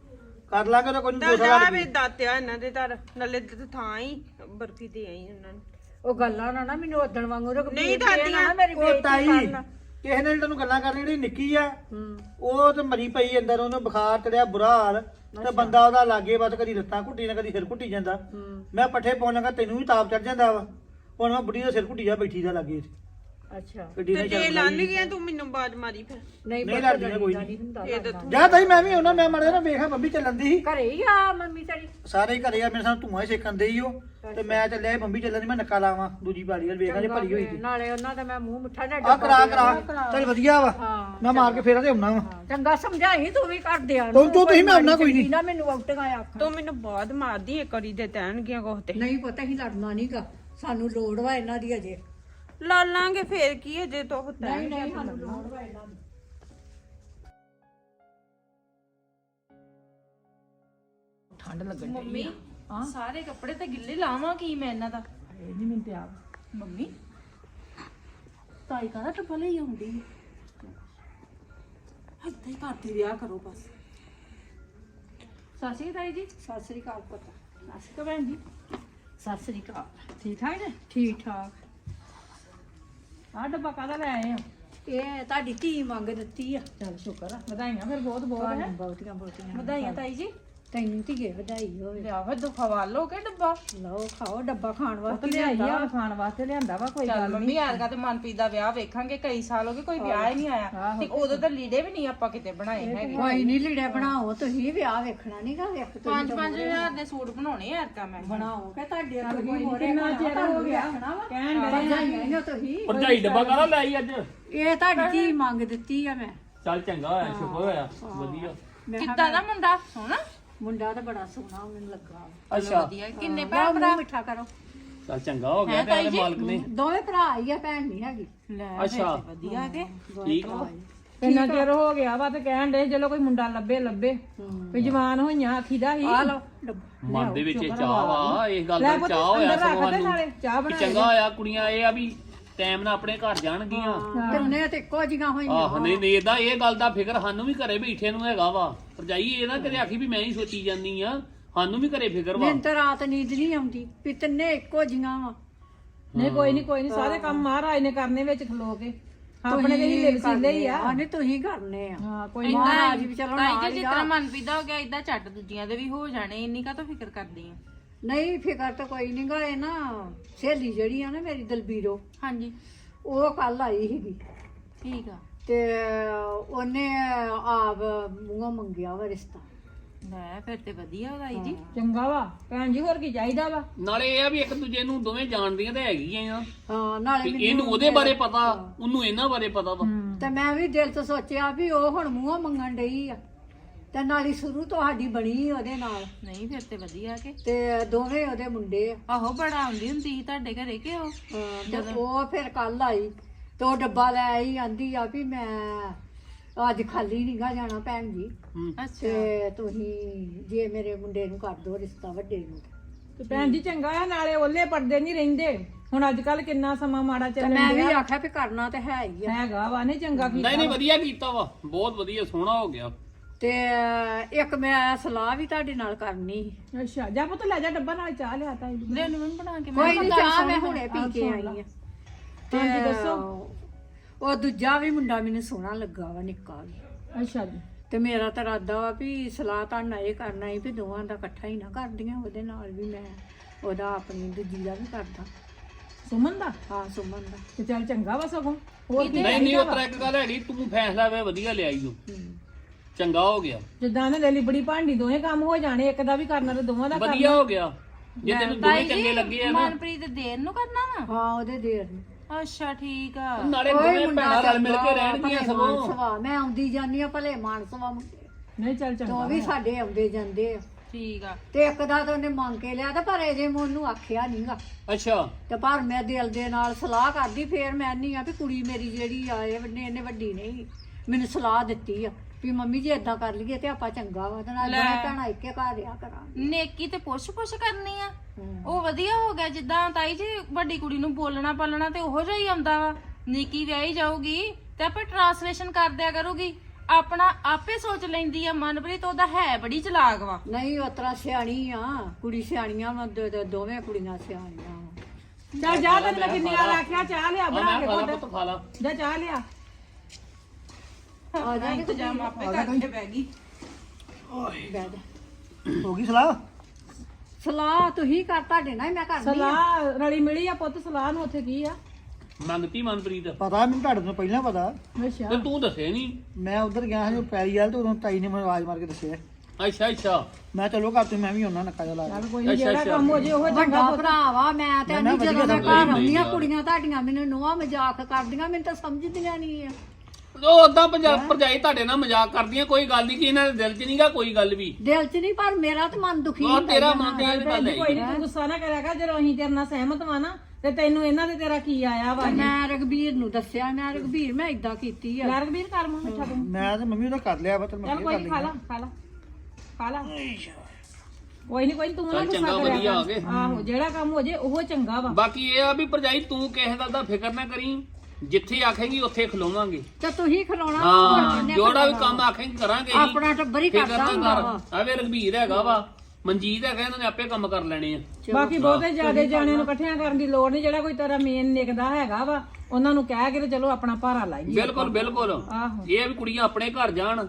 ਕਰ ਲਾਂਗੇ ਤਾਂ ਕੋਈ ਨੀ,
ਤਾਂ
ਦੋ ਸਾਲ
ਜਾ
ਲੱਗ
ਵੇ ਦਾਤਿਆ ਇਹਨਾਂ ਦੇ ਘਰ ਨਾਲੇ ਤੇ ਥਾਂ ਹੀ ਬਰਫੀ ਤੇ ਆਈ ਉਹਨਾਂ ਨੂੰ
ਉਹ ਗੱਲਾਂ ਨਾ ਮੈਨੂੰ ਉਦਣ ਵਾਂਗੂ ਰਘਬੀਰ
ਨਹੀਂ
ਦੀਆਂ
ਦਾਦੀਆਂ।
ਨਾ ਮੇਰੀ
ਉਹ
ਬੇਇੱਜ਼ਤੀ
ਤਾਈ
ਕਰਨ।
ਕਿਸੇ ਨੇ ਤੈਨੂੰ ਗੱਲਾਂ ਕਰਨੀ ਜਿਹੜੀ ਨਿੱਕੀ ਆ ਉਹ ਤੇ ਮਰੀ ਪਈ ਅੰਦਰ, ਉਹਨੂੰ ਬੁਖਾਰ ਚੜਿਆ ਬੁਰਾ ਹਾਲ, ਤੇ ਬੰਦਾ ਉਹਦਾ ਲਾਗੇ ਬਸ ਕਦੀ ਲੱਤਾਂ ਘੁੱਟੀ ਨਾ ਕਦੀ ਸਿਰ ਘੁੱਟੀ ਜਾਂਦਾ। ਮੈਂ ਪੱਠੇ ਪਾਉਣ ਲੱਗਾ ਤੈਨੂੰ ਵੀ ਤਾਪ ਚੜ ਜਾਂਦਾ ਵਾ, ਹੁਣ ਮੈਂ ਬੁੱਢੀ ਦਾ ਸਿਰ ਘੁੱਟੀ ਜਾ ਬੈਠੀ ਦਾ ਲਾਗੇ
ਅੱਛਾ
ਗੱਡੀ
ਤੇ
ਨਾਲ
ਜੇ
ਚੱਲ
ਲੰਘ ਗਿਆ ਤੂੰ ਮੈਨੂੰ ਬਾਜ ਮਾਰੀ ਫਿਰ।
ਨਹੀਂ
ਨਹੀਂ
ਪਤਾ
ਲੜਦੀ ਨਾ ਕੋਈ
ਨਹੀਂ
ਨਹੀਂ।
ਹੁੰਦਾ
ਇਹ ਤਾਂ ਤੂੰ
ਜਾ ਤਾਈ ਮੈਂ ਵੀ ਉਹਨਾਂ ਮੈਂ ਮੜਿਆ ਨਾ ਵੇਖਾਂ ਬੰਬੀ ਚੱਲਣ ਦੀ ਸੀ,
ਘਰੇ ਹੀ ਆ ਮੰਮੀ ਤੇਰੀ
ਸਾਰੇ ਹੀ ਘਰੇ ਆ, ਮੇਰੇ ਸਾਹ ਧੂਆਂ ਹੀ ਸੇਕਣ ਦੇ ਹੀ ਉਹ, ਤੇ ਮੈਂ ਚੱਲਿਆ ਸੀ ਬੰਬੀ ਚੱਲਣ ਦੀ, ਮੈਂ ਨੱਕਾ ਲਾਵਾਂ ਦੂਜੀ ਬਾਰੀ ਵੱਲ ਵੇਖਾਂ ਜੇ ਭਰੀ ਹੋਈ ਸੀ।
ਨਾਲੇ ਉਹਨਾਂ ਦਾ ਮੈਂ ਮੂੰਹ ਮਿੱਠਾ ਨਾ
ਆ ਕਰਾ ਚੱਲ ਵਧੀਆ ਵਾ,
ਹਾਂ।
ਮੈਂ ਮਾਰ ਕੇ ਫੇਰਾਂ ਤੇ ਆਉਣਾ ਵਾ।
ਚੰਗਾ ਸਮਝਾਈ ਤੂੰ ਵੀ ਕਰ ਦਿਆ
ਤੂੰ ਤੁਸੀਂ ਮੈਂ ਆਉਣਾ ਕੋਈ ਨਹੀਂ।
ਨਾ ਮੈਨੂੰ ਆਉਟੀਆਂ ਆਖ
ਤੂੰ ਮੈਨੂੰ ਬਾਦ ਮਾਰਦੀ ਇੱਕ ਵਾਰੀ ਦੇ ਤੈਨਗੀਆਂ ਕੋਹ ਤੇ
ਨਹੀਂ ਪਤਾ ਹੀ ਲੜਨਾ ਨਹੀਂਗਾ, ਸਾਨੂੰ ਲੋੜ ਵਾ ਇਹਨਾਂ ਦੀ ਅਜੇ।
ਲਾ ਲਾਂਗੇ ਫੇਰ ਕੀ ਹੈ ਜੇ ਤੋ ਹੁੰਦਾ
ਨਹੀਂ ਨਹੀਂ ਸਾਨੂੰ ਲੋੜ ਵਾ ਇਹਨਾਂ ਦੀ। ਠੰਡ ਲੱਗਣ
ਮੰਮੀ
ਹਾਂ
ਸਾਰੇ ਕੱਪੜੇ ਤਾਂ ਗਿੱਲੇ ਲਾਵਾਂ ਕੀ ਮੈਂ ਇਹਨਾਂ ਦਾ।
ਇਹ ਨਹੀਂ ਮੈਨੂੰ ਤੇ ਆਪ
ਮੰਮੀ ਤਾਈ ਕਾਹਦਾ ਟੱਪਾ ਲਈ ਆਉਂਦੀ ਹੱਥ ਹੀ ਕਰਦੀ ਵਿਆਹ ਕਰੋ ਬਸ। ਸਾਸੀ ਤਾਈ ਜੀ।
ਸਤਿ ਸ੍ਰੀ ਅਕਾਲ ਪੁੱਤ।
ਸਾਸੀ ਕਾ ਭੈਣ ਜੀ।
ਸਤਿ ਸ੍ਰੀ ਅਕਾਲ।
ਠੀਕ ਠਾਕ ਨੇ?
ਠੀਕ ਠਾਕ।
ਆਹ ਡੱਬਾ ਕਾਹਦਾ ਲੈ ਆਏ ਹੋ?
ਇਹ ਤੁਹਾਡੀ ਧੀ ਮੰਗ ਦਿੱਤੀ ਆ।
ਚਲ ਸ਼ੁਕਰ ਆ, ਵਧਾਈਆਂ ਫਿਰ ਬਹੁਤ ਬਹੁਤ ਹੈ।
ਬਹੁਤੀਆਂ ਬਹੁਤੀਆਂ
ਵਧਾਈਆਂ ਤਾਈ ਜੀ।
ਤੈਨੂੰ ਧੀਏ ਵਧਾਈ ਹੋਵੇ।
ਲਿਆ ਫਿਰ ਦੁਖਵਾ ਲਓ ਕਿ ਡੱਬਾ
ਲਓ ਖਾਓ, ਡੱਬਾ ਖਾਣ
ਉਹ
ਵਾਸਤੇ
ਲਿਆਈ
ਲਿਆਈ
ਆ ਖਾਣ ਵਾਸਤੇ ਲਿਆਂਦਾ ਵਾ ਕੋਈ ਗੱਲ ਮੰਮੀ ਐਰਗਾ ਤੇ ਮਨਪ੍ਰੀਤ ਦਾ ਵਿਆਹ ਵੇਖਾਂਗੇ, ਕਈ ਸਾਲ ਹੋ ਗਏ ਕੋਈ ਵਿਆਹ ਹੀ ਨਹੀਂ ਆਇਆ ਤੇ ਉਦੋਂ ਤਾਂ ਲੀੜੇ ਵੀ ਨਹੀਂ ਆਪਾਂ ਕਿਤੇ ਬਣਾਏ ਹੈਗੇ।
ਕੋਈ ਨਹੀਂ ਲੀੜੇ ਬਣਾਓ, ਤੁਸੀਂ ਵਿਆਹ ਵੇਖਣਾ ਨਹੀਂਗਾ। ਵੇਖ ਤੁਸੀਂ
5-5 ਦੇ ਸੂਟ ਬਣਾਉਣੇ ਐਰਗਾ ਮੈਂ।
ਬਣਾਓਗੇ ਤੁਹਾਡੇ ਅੱਗੇ ਕੋਈ ਹੋਰੇ
ਕਿੰਨਾ ਚਿਰ ਹੋ ਗਿਆ ਕਹਿਣ
ਭਰਜਾਈਆਂ ਤੁਸੀਂ।
ਭਰਜਾਈ ਡੱਬਾ ਕਾਹਦਾ ਲੈ ਆਈ ਅੱਜ?
ਇਹ ਤੁਹਾਡੀ ਧੀ ਮੰਗ ਦਿੱਤੀ ਆ ਮੈਂ।
ਚੱਲ ਚੰਗਾ ਹੋਇਆ, ਸ਼ੁਕਰ ਹੋਇਆ, ਵਧੀਆ।
ਕਿੱਦਾਂ ਦਾ ਮੁੰਡਾ ਸੋਹਣਾ?
ਮੁੰਡਾ ਤਾਂ ਬੜਾ ਸੋਹਣਾ ਮੈਨੂੰ ਲੱਗਾ।
ਅੱਛਾ
ਵਧੀਆ। ਕਿੰਨੇ
ਭਰਾ ਭਰਾ ਮਿੱਠਾ ਕਰੋ।
ਚੱਲ ਚੰਗਾ ਹੋ ਗਿਆ, ਤੇ ਇਹਦੇ ਮਾਲਕ ਨੇ।
ਦੋਵੇਂ ਭਰਾ ਹੀ ਆ, ਭੈਣ ਨਹੀਂ ਹੈਗੀ।
ਲੈ
ਅੱਛਾ
ਵਧੀਆ ਕੇ
ਠੀਕ ਵਾ।
ਕਿੰਨਾ ਚਿਰ ਹੋ ਗਿਆ ਵਾ ਤੇ ਕਹਿਣ ਦੇ ਚਲੋ ਕੋਈ ਮੁੰਡਾ ਲੱਭੇ ਵੀ ਜਵਾਨ ਹੋਈਆਂ ਆਖੀਦਾ ਹੀ
ਆ ਲਓ ਡੱਬਾ।
ਮਨ ਦੇ ਵਿੱਚ ਇਹ ਚਾਹ ਵਾ, ਇਸ ਗੱਲ ਦਾ ਚਾਹ ਹੋਇਆ ਸਗੋਂ ਸਾਨੂੰ
ਚਾਹ
ਕਿ ਚੰਗਾ ਹੋਇਆ। ਕੁੜੀਆਂ ਇਹ ਆ ਵੀ ਟਾਈਮ ਨਾਲ ਆਪਣੇ ਘਰ ਜਾਣਗੀਆਂ।
ਤਿੰਨੇ ਤੇ ਇੱਕੋ ਜਿਹੀਆਂ ਹੋਈਆਂ।
ਆਹ ਨਹੀਂ ਨਹੀਂ, ਇਹਦਾ ਇਹ ਗੱਲ ਦਾ ਫਿਕਰ ਸਾਨੂੰ ਵੀ ਘਰੇ ਬੈਠੇ ਨੂੰ ਹੈਗਾ ਵਾ। ਭਰਜਾਈ ਇਹ ਨਾ ਕਦੇ ਆਖੀ ਵੀ ਮੈਂ ਹੀ ਸੋਚੀ ਜਾਂਦੀ ਆ, ਸਾਨੂੰ ਵੀ ਘਰੇ ਫਿਕਰ ਵਾ।
ਮੈਨੂੰ ਤਾਂ ਰਾਤ ਨੀਂਦ ਨਹੀਂ ਆਉਂਦੀ ਵੀ ਤਿੰਨੇ ਇੱਕੋ ਜਿਹੀਆਂ ਵਾ।
ਨਹੀਂ ਕੋਈ ਨਹੀਂ ਸਾਰੇ ਕੰਮ ਮਹਾਰਾਜ ਨੇ ਕਰਨੇ ਵਿੱਚ ਖਲੋ ਕੇ ਆਪਣੇ ਦੇ ਹੀਲੇ ਵਸੀਲੇ ਹੀ ਆ।
ਨਹੀਂ ਤੁਸੀਂ ਕਰਨੇ ਆ।
ਹਾਂ ਕੋਈ
ਮਹਾਰਾਜ ਵੀ ਚਲੋ ਨਾਲ ਹੀ
ਜਿਸ ਤਰ੍ਹਾਂ ਮਨਪੀਦਾ ਹੋ ਗਿਆ ਇਦਾਂ ਝੱਟ ਦੂਜੀਆਂ ਦੇ ਵੀ ਹੋ ਜਾਣੇ, ਇੰਨੀ ਕਾ ਤਾਂ ਫਿਕਰ ਕਰਦੀ ਆ।
ਨਹੀਂ ਫਿਕਰ ਤਾਂ ਕੋਈ ਨਹੀਂ ਗਾ। ਇਹ ਨਾ ਸਹੇਲੀ ਜਿਹੜੀ ਆ ਨਾ ਮੇਰੀ ਦਲਬੀਰੋ,
ਹਾਂਜੀ
ਉਹ ਕੱਲ ਆਈ ਸੀਗੀ
ਠੀਕ ਆ।
ਤੇ ਉਹਨੇ ਆਪ ਮੂੰਹੋਂ ਮੰਗਿਆ ਵਾ ਰਿਸ਼ਤਾ।
ਲੈ ਫਿਰ ਤੇ ਵਧੀਆ ਹੋ ਤਾਈ ਜੀ।
ਚੰਗਾ ਵਾ ਭੈਣ ਜੀ, ਹੋਰ ਕੀ ਚਾਹੀਦਾ ਵਾ।
ਨਾਲੇ ਇਹ ਆ ਵੀ ਇੱਕ ਦੂਜੇ ਨੂੰ ਦੋਵੇਂ ਜਾਣਦੀਆਂ ਤਾਂ ਹੈਗੀਆਂ ਆ।
ਹਾਂ ਨਾਲੇ
ਵੀ ਇਹਨੂੰ ਉਹਦੇ ਬਾਰੇ ਪਤਾ, ਉਹਨੂੰ ਇਹਨਾਂ ਬਾਰੇ ਪਤਾ ਵਾ।
ਤੇ ਮੈਂ ਵੀ ਦਿਲ ਤੋਂ ਸੋਚਿਆ ਵੀ ਉਹ ਹੁਣ ਮੂੰਹੋਂ ਮੰਗਣ ਡਈ ਆ, ਤੇ ਨਾਲੀ ਸ਼ੁਰੂ ਤੋਂ ਸਾਡੀ ਬਣੀ ਉਹਦੇ ਨਾਲ,
ਨਹੀਂ ਫਿਰ ਤੇ ਵਧੀਆ ਕੇ।
ਤੇ ਦੋਵੇਂ ਉਹਦੇ ਮੁੰਡੇ ਆ।
ਆਹੋ ਬੜਾ ਆਉਂਦੀ ਹੁੰਦੀ ਸੀ ਤੁਹਾਡੇ ਘਰੇ ਕਿ ਉਹ
ਤੇ ਉਹ ਫਿਰ ਕੱਲ ਆਈ ਤੇ ਉਹ ਡੱਬਾ ਲੈ ਆਈ, ਆਂਦੀ ਆ ਵੀ ਮੈਂ ਅੱਜ ਖਾਲੀ ਨੀ ਗਾ ਜਾਣਾ ਭੈਣ ਜੀ,
ਅੱਛਾ
ਤੇ ਤੁਸੀਂ ਜੇ ਮੇਰੇ ਮੁੰਡੇ ਨੂੰ ਕਰ ਦੋ ਰਿਸ਼ਤਾ ਵੱਡੇ ਨੂੰ।
ਤੇ ਭੈਣ ਜੀ ਚੰਗਾ ਆ, ਨਾਲੇ ਓਲੇ ਪਰਦੇ ਨਹੀਂ ਰਹਿੰਦੇ। ਹੁਣ ਅੱਜ ਕੱਲ ਕਿੰਨਾ ਸਮਾਂ ਮਾੜਾ
ਤੇ
ਚੱਲਣ
ਮੈਂ ਵੀ
ਡਿਆ
ਆਖਿਆ ਵੀ ਕਰਨਾ ਤੇ ਹੈ ਹੀ ਆ।
ਹੈਗਾ ਵਾ। ਨਹੀਂ ਚੰਗਾ ਕੀਤਾ
ਨਹੀਂ ਨਹੀਂ, ਵਧੀਆ ਕੀਤਾ ਵਾ, ਬਹੁਤ ਵਧੀਆ, ਸੋਹਣਾ ਹੋ ਗਿਆ।
ਤੇ ਇੱਕ ਮੈਂ ਸਲਾਹ ਵੀ ਤੁਹਾਡੇ ਨਾਲ ਕਰਨੀ ਸੀ।
ਅੱਛਾ ਜਾ ਪੁੱਤ ਲੈ ਜਾ ਡੱਬਾ, ਨਾਲ ਚਾਹ ਲਿਆ ਤਾਈ ਜੀ।
ਲੈ ਨੂੰ ਬਣਾ ਕੇ
ਕੋਈ ਨਹੀਂ, ਚਾਹ ਮੈਂ ਹੁਣੇ ਪੀ ਕੇ ਆਈ ਆ। ਤੇ
ਹਾਂਜੀ, ਦੱਸੋ।
ਉਹ ਦੂਜਾ ਵੀ ਮੁੰਡਾ ਮੈਨੂੰ ਸੋਹਣਾ ਲੱਗਾ ਵਾ, ਨਿੱਕਾ ਵੀ।
ਅੱਛਾ ਜੀ
ਤੇ ਮੇਰਾ ਤਾਂ ਇਰਾਦਾ ਵਾ ਵੀ ਸਲਾਹ ਤਾਂ ਨਾ ਇਹ ਕਰਨਾ ਸੀ ਵੀ ਦੋਵਾਂ ਦਾ ਇਕੱਠਾ ਹੀ ਨਾ ਕਰਦੀਆਂ, ਉਹਦੇ ਨਾਲ ਵੀ ਮੈਂ ਉਹਦਾ ਆਪਣੀ ਦੂਜੀ ਦਾ ਵੀ ਕਰਦਾ।
ਸੁਮਨ ਦਾ।
ਹਾਂ ਸੁਮਨ ਦਾ।
ਤੇ ਚੱਲ ਚੰਗਾ ਵਾ ਸਗੋਂ। ਹੋਰ ਕੀ
ਨਹੀਂ ਨਹੀਂ, ਉਹ ਤਰ੍ਹਾਂ ਇੱਕ ਗੱਲ ਹੈਗੀ, ਤੂੰ ਫੈਸਲਾ ਵੇ ਵਧੀਆ ਲਿਆਈ ਤੂੰ, ਚੰਗਾ ਹੋ ਗਿਆ,
ਜਿੱਦਾਂ ਨੇ ਲੈ ਲਈ ਬੜੀ ਭਾਂਡੀ, ਦੋਵੇਂ ਕੰਮ ਹੋ ਜਾਣੇ, ਇੱਕ ਦਾ ਵੀ ਕਰਨਾ ਤੇ ਦੋਵਾਂ ਦਾ
ਵਧੀਆ ਹੋ ਗਿਆ। ਜੇ ਤੈਨੂੰ ਦੋਵੇਂ ਚੰਗੇ ਲੱਗੇ ਆ ਨਾ,
ਮਨਪ੍ਰੀਤ ਦੇਰ ਨੂੰ ਕਰਨਾ ਵਾ।
ਹਾਂ ਉਹਦੇ ਦੇਰ ਨੂੰ।
ਅੱਛਾ ਠੀਕ ਆ।
ਨਾਲੇ ਦੋਵੇਂ ਭੈਣਾਂ ਰਲ ਮਿਲ ਕੇ ਰਹਿਣਗੀਆਂ ਸਗੋਂ।
ਮਾਨਸਵਾ ਮੈਂ ਆਉਂਦੀ ਜਾਂਦੀ ਆ, ਭਲੇ ਮਾਨਸਵਾ ਮੁੰਡੇ
ਨਹੀਂ ਚੱਲ
ਤੇ
ਚੰਗਾ
ਉਹ ਵੀ ਸਾਡੇ ਆਉਂਦੇ ਜਾਂਦੇ ਆ।
ਠੀਕ ਆ।
ਤੇ ਇੱਕ ਦਾ ਤਾਂ ਉਹਨੇ ਮੰਗ ਕੇ ਲਿਆ, ਤੇ ਪਰ ਅਜੇ ਮੈਂ ਉਹਨੂੰ ਆਖਿਆ ਨਹੀਂਗਾ।
ਅੱਛਾ
ਤੇ ਪਰ ਮੈਂ ਦਿਲ ਦੇ ਨਾਲ ਸਲਾਹ ਕਰਦੀ, ਫੇਰ ਮੈਂ ਨਹੀਂ ਆ ਵੀ ਕੁੜੀ ਮੇਰੀ ਜਿਹੜੀ ਆ ਇਹਨੇ ਵੱਡੀ ਨਹੀਂ ਮੈਨੂੰ ਸਲਾਹ ਦਿੱਤੀ ਆ ਵੀ ਮੰਮੀ ਜੀ ਏਦਾਂ ਕਰ ਲਈਏ ਤੇ ਆਪਾਂ ਚੰਗਾ ਵਾ, ਤੇ ਨਾਲ ਦੋਵੇਂ ਭੈਣਾਂ ਇੱਕੇ ਘਰ ਰਿਹਾ ਕਰਾਂਗੇ।
ਨੇਕੀ ਤੇ ਪੁੱਛ ਕਰਨੀ ਆ, ਉਹ ਵਧੀਆ ਹੋ ਗਿਆ। ਜਿੱਦਾਂ ਤਾਈ ਜੀ ਵੱਡੀ ਕੁੜੀ ਨੂੰ ਬੋਲਣਾ ਪਾਲਣਾ ਤੇ ਉਹੋ ਜਿਹਾ ਹੀ ਆਉਂਦਾ ਵਾ। ਨਿੱਕੀ ਵਿਆਹੀ ਜਾਊਗੀ ਤੇ ਆਪੇ ਟਰਾਂਸਲੇਸ਼ਨ ਕਰ ਦਿਆ ਕਰੂਗੀ, ਆਪਣਾ ਆਪੇ ਸੋਚ ਲੈਂਦੀ ਆ। ਮਨਪ੍ਰੀਤ ਉਹਦਾ ਹੈ ਬੜੀ ਚਲਾਕ ਵਾ।
ਨਹੀਂ ਉਸ ਤਰ੍ਹਾਂ ਸਿਆਣੀ ਆ ਕੁੜੀ, ਸਿਆਣੀਆਂ ਵਾ, ਦੋਵੇਂ ਕੁੜੀਆਂ ਸਿਆਣੀਆਂ ਵਾ।
ਚੱਲ ਜਾ ਤੈਨੂੰ ਮੈਂ ਕਿੰਨੀ ਵਾਰ ਆਖਿਆ ਚਾਹ ਲਿਆ ਬਣਾ ਕੇ
ਖਾ ਲਾ
ਘੁੱਟ।
ਪੁੱਤ, ਖਾ ਲਾ।
ਜਾ ਚਾਹ ਲਿਆ।
ਆ ਜਾ
ਇੰਤਜ਼ਾਮ ਆਪੇ ਕਰਕੇ ਬਹਿ ਗਈ।
ਬਹਿ ਜਾ।
ਹੋ ਗਈ ਸਲਾਹ?
ਸਲਾਹ ਤੁਸੀਂ ਕਰ, ਤੁਹਾਡੇ ਨਾਲ ਹੀ ਮੈਂ ਕਰਨੀ ਆ।
ਸਲਾਹ ਰਲੀ ਮਿਲੀ ਆ ਪੁੱਤ, ਸਲਾਹ ਨੂੰ ਉੱਥੇ ਕੀ ਆ?
ਮੰਗਤੀ ਮਨਪ੍ਰੀਤ
ਪਤਾ ਮੈਨੂੰ ਤੁਹਾਡੇ ਤੋਂ ਪਹਿਲਾਂ ਪਤਾ।
ਅੱਛਾ
ਤੇ ਤੂੰ ਦੱਸੇ ਨਹੀਂ।
ਮੈਂ ਉਧਰ ਗਿਆ ਸੀ ਪੈਰੀ ਵਾਲ ਤੇ ਉਦੋਂ ਤਾਈ ਨੇ ਮੈਨੂੰ ਆਵਾਜ਼ ਮਾਰ ਕੇ ਦੱਸਿਆ।
ਅੱਛਾ ਅੱਛਾ
ਮੈਂ ਚਲੋ ਘਰ ਤੋਂ ਮੈਂ ਵੀ ਉਹਨਾਂ ਨੱਕਾ ਜਿਹਾ ਲਾ ਲਿਆ।
ਚੱਲ ਕੋਈ ਨੀ, ਜਿਹੜਾ ਕੰਮ ਹੋ ਜੇ ਉਹ ਚੰਗਾ
ਵੱਡਾ
ਪੁੱਤ।
ਭਰਾ ਵਾ ਮੈਂ ਤੇ ਨਹੀਂ, ਜਦੋਂ ਮੈਂ ਘਰ ਆਉਂਦੀ ਆ ਕੁੜੀਆਂ ਤੁਹਾਡੀਆਂ ਮੈਨੂੰ ਨੋਹਾਂ ਮਜ਼ਾਕ ਕਰਦੀਆਂ, ਮੈਨੂੰ ਤਾਂ ਸਮਝਦੀਆਂ ਨਹੀਂ ਆ।
ਉਹ ਉਦਾਂ ਭਰਜਾਈ ਤੁਹਾਡੇ ਨਾਲ ਮਜ਼ਾਕ ਕਰਦੀਆਂ, ਕੋਈ ਗੱਲ ਨਹੀਂ ਕਿ ਇਹਨਾਂ ਦੇ ਦਿਲ 'ਚ ਨਹੀਂਗਾ ਕੋਈ ਗੱਲ ਵੀ।
ਦਿਲ 'ਚ ਨਹੀਂ, ਪਰ ਮੇਰਾ ਤਾਂ ਮਨ ਦੁਖੀ
ਉਹ
ਹੁੰਦਾ
ਤੇਰਾ
ਹੀ ਆ।
ਮਨ ਤੇ ਇਹ ਗੱਲ ਹੈ।
ਕੋਈ ਨਹੀਂ, ਤੂੰ ਗੁੱਸਾ ਨਾ ਕਰਿਆ ਕਰ, ਜਦੋਂ ਅਸੀਂ ਤੇਰੇ ਨਾਲ ਸਹਿਮਤ ਵਾਂ ਨਾ ਤੇ ਤੈਨੂੰ ਇਹਨਾਂ ਦੇ ਤੇਰਾ ਕੀ ਆਇਆ ਵਾ?
ਮੈਂ ਰਘਬੀਰ ਨੂੰ ਦੱਸਿਆ, ਮੈਂ ਰਘਬੀਰ ਮੈਂ ਇਦਾਂ ਕੀਤੀ ਆ।
ਰਘਬੀਰ ਕਰ ਮੂੰਹ ਮਿੱਠਾ ਤੂੰ।
ਮੈਂ ਤੇ ਮੰਮੀ ਉਹਦਾ ਕਰ ਲਿਆ ਵਾ ਤੇ ਮੈਂ
ਚੱਲ
ਫੇਰ
ਕੋਈ
ਕਰ
ਨੀ,
ਲਈ।
ਖਾ ਲਾ ਕੋਈ ਨਹੀਂ ਤੂੰ ਨਾ
ਚੱਲ
ਗੁੱਸਾ
ਚੰਗਾ,
ਕਰਿਆ
ਵਧੀਆ
ਕਰ।
ਆ ਗਏ।
ਆਹੋ, ਜਿਹੜਾ ਕੰਮ ਹੋ ਜੇ ਉਹ ਚੰਗਾ ਵਾ।
ਬਾਕੀ ਇਹ ਆ ਵੀ ਭਰਜਾਈ ਤੂੰ ਕਿਸੇ ਗੱਲ ਦਾ ਫਿਕਰ ਨਾ ਕਰੀ, ਜਿੱਥੇ ਆਖੇਂਗੀ ਉੱਥੇ ਖਲੋਵਾਂਗੇ।
ਤੇ ਤੁਸੀਂ ਖਲਾਉਣਾ
ਹਾਂ, ਜਿਹੜਾ ਵੀ ਕੰਮ ਆਖੇਂਗੀ ਕਰਾਂਗੇ ਹੀ।
ਆਪਣਾ ਟੱਬਰ ਹੀ
ਫਿਕਰ
ਕਰਦਾ
ਨਾ
ਹੁੰਦਾ
ਕਰ।
ਵਾ।
ਆਵੇ ਰਘਬੀਰ ਹੈਗਾ ਵਾ, ਮਨਜੀਤ ਹੈਗਾ, ਇਹਨਾਂ ਨੇ ਆਪੇ ਕੰਮ ਕਰ ਲੈਣੇ ਆ।
ਬਾਕੀ ਬਹੁਤੇ ਜ਼ਿਆਦੇ ਜਾਣਿਆਂ ਨੂੰ ਇਕੱਠਿਆਂ ਕਰਨ ਦੀ ਲੋੜ ਨਹੀਂ। ਜਿਹੜਾ ਕੋਈ ਤੇਰਾ ਮੇਨ ਨਿਕਦਾ ਹੈਗਾ ਵਾ ਉਹਨਾਂ ਨੂੰ ਕਹਿ ਕੇ ਤੇ ਚਲੋ ਆਪਣਾ ਭਾਰਾ ਲਾਈਏ।
ਬਿਲਕੁਲ ਬਿਲਕੁਲ।
ਆਹੋ।
ਇਹ ਆ ਵੀ ਕੁੜੀਆਂ ਆਪਣੇ ਘਰ ਜਾਣ